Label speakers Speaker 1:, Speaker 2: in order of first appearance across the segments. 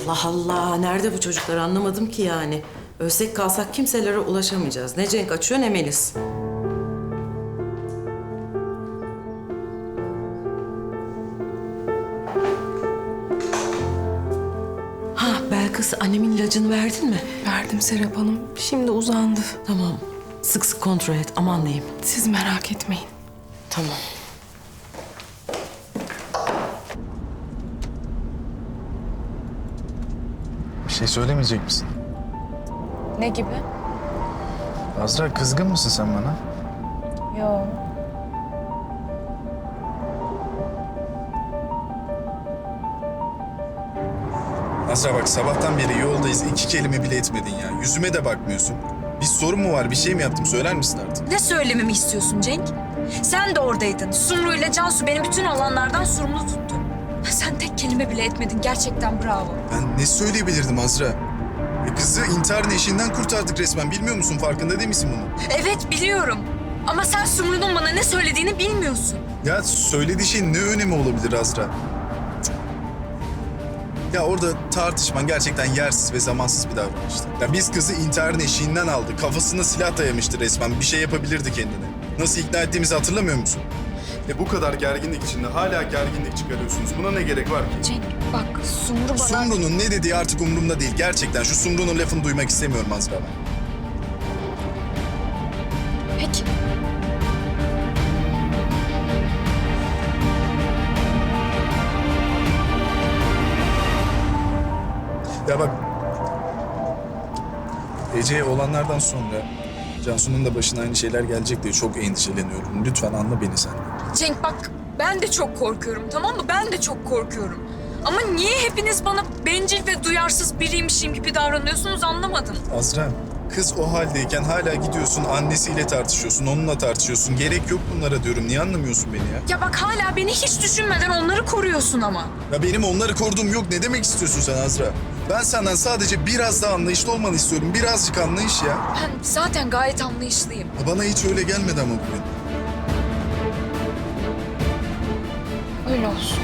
Speaker 1: Allah Allah. Nerede bu çocuklar anlamadım ki yani. Ölsek kalsak kimselere ulaşamayacağız. Ne Cenk açıyor ne Melis. Ha Belkıs, annemin ilacını verdin mi?
Speaker 2: Verdim Serap Hanım. Şimdi uzandı.
Speaker 1: Tamam. Sık sık kontrol et. Aman diyeyim.
Speaker 2: Siz merak etmeyin.
Speaker 1: Tamam.
Speaker 3: Bir şey söylemeyecek misin?
Speaker 4: Ne gibi?
Speaker 3: Azra, kızgın mısın sen bana?
Speaker 4: Yo.
Speaker 5: Azra bak, sabahtan beri yoldayız. 2 kelime bile etmedin ya. Yüzüme de bakmıyorsun. Bir sorun mu var? Bir şey mi yaptım? Söyler misin artık?
Speaker 4: Ne söylememi istiyorsun Cenk? Sen de oradaydın. Sumru ile Cansu beni bütün olanlardan sorumlu tuttu. Sen tek kelime bile etmedin. Gerçekten bravo.
Speaker 5: Ben ne söyleyebilirdim Azra? Kızı intiharın eşiğinden kurtardık resmen. Bilmiyor musun? Farkında değil misin bunun?
Speaker 4: Evet biliyorum. Ama sen Sumru'nun bana ne söylediğini bilmiyorsun.
Speaker 5: Ya söylediği şeyin ne önemi olabilir Azra? Cık. Ya orada tartışman gerçekten yersiz ve zamansız bir davranıştı. Ya biz kızı intiharın eşiğinden aldık. Kafasına silah dayamıştı resmen. Bir şey yapabilirdi kendine. Nasıl ikna ettiğimizi hatırlamıyor musun? Bu kadar gerginlik içinde hala gerginlik çıkarıyorsunuz. Buna ne gerek var ki?
Speaker 4: Cenk bak Sumru bana...
Speaker 5: Sumru'nun ne dediği artık umurumda değil. Gerçekten şu Sumru'nun lafını duymak istemiyorum Azra ben.
Speaker 4: Peki.
Speaker 5: Ya bak, Ece'ye olanlardan sonra Cansu'nun da başına aynı şeyler gelecek diye çok endişeleniyorum. Lütfen anla beni sen.
Speaker 4: Cenk bak ben de çok korkuyorum tamam mı? Ben de çok korkuyorum. Ama niye hepiniz bana bencil ve duyarsız biriymişim gibi davranıyorsunuz anlamadım.
Speaker 5: Azra, kız o haldeyken hala gidiyorsun annesiyle tartışıyorsun, onunla tartışıyorsun. Gerek yok bunlara diyorum. Niye anlamıyorsun beni ya?
Speaker 4: Ya bak hala beni hiç düşünmeden onları koruyorsun ama.
Speaker 5: Ya benim onları koruduğum yok. Ne demek istiyorsun sen Azra? Ben senden sadece biraz daha anlayışlı olmanı istiyorum. Birazcık anlayış ya.
Speaker 4: Ben zaten gayet anlayışlıyım.
Speaker 5: Bana hiç öyle gelmedi ama bugün.
Speaker 4: Öyle olsun.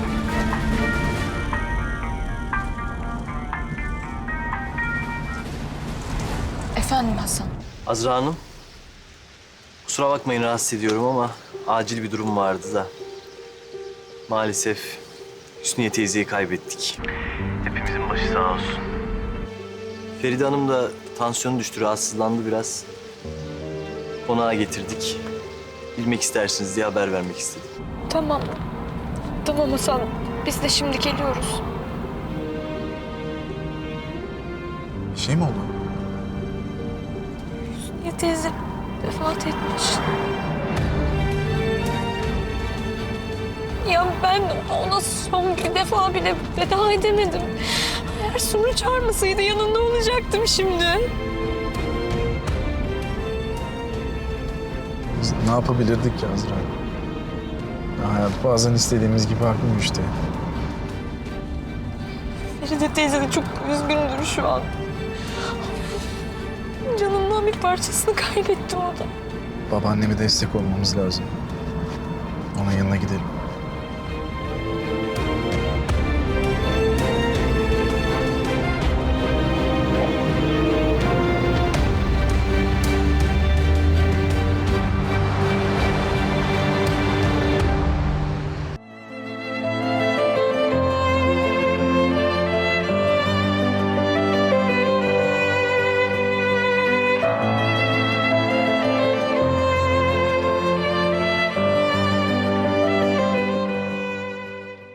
Speaker 4: Efendim Hasan.
Speaker 6: Azra Hanım, kusura bakmayın rahatsız ediyorum ama acil bir durum vardı da. Maalesef Hüsniye teyzeyi kaybettik. Hepimizin başı sağ olsun. Feride Hanım da tansiyonu düştü, rahatsızlandı biraz. Konağa getirdik. Bilmek istersiniz diye haber vermek istedim.
Speaker 2: Tamam. Tamam Hasan. Biz de şimdi geliyoruz.
Speaker 3: Bir şey mi oldu?
Speaker 2: Ya teyze vefat etmiş. Ya ben ona son bir defa bile veda edemedim. Eğer Sumru çağırmasaydı yanında olacaktım şimdi.
Speaker 3: Biz ne yapabilirdik ki Azra? Ya hayat bazen istediğimiz gibi akmıyor işte.
Speaker 2: Feride teyze de çok üzgündür şu an. Canından bir parçasını kaybetti o da.
Speaker 3: Babaanneme destek olmamız lazım. Onun yanına gidelim.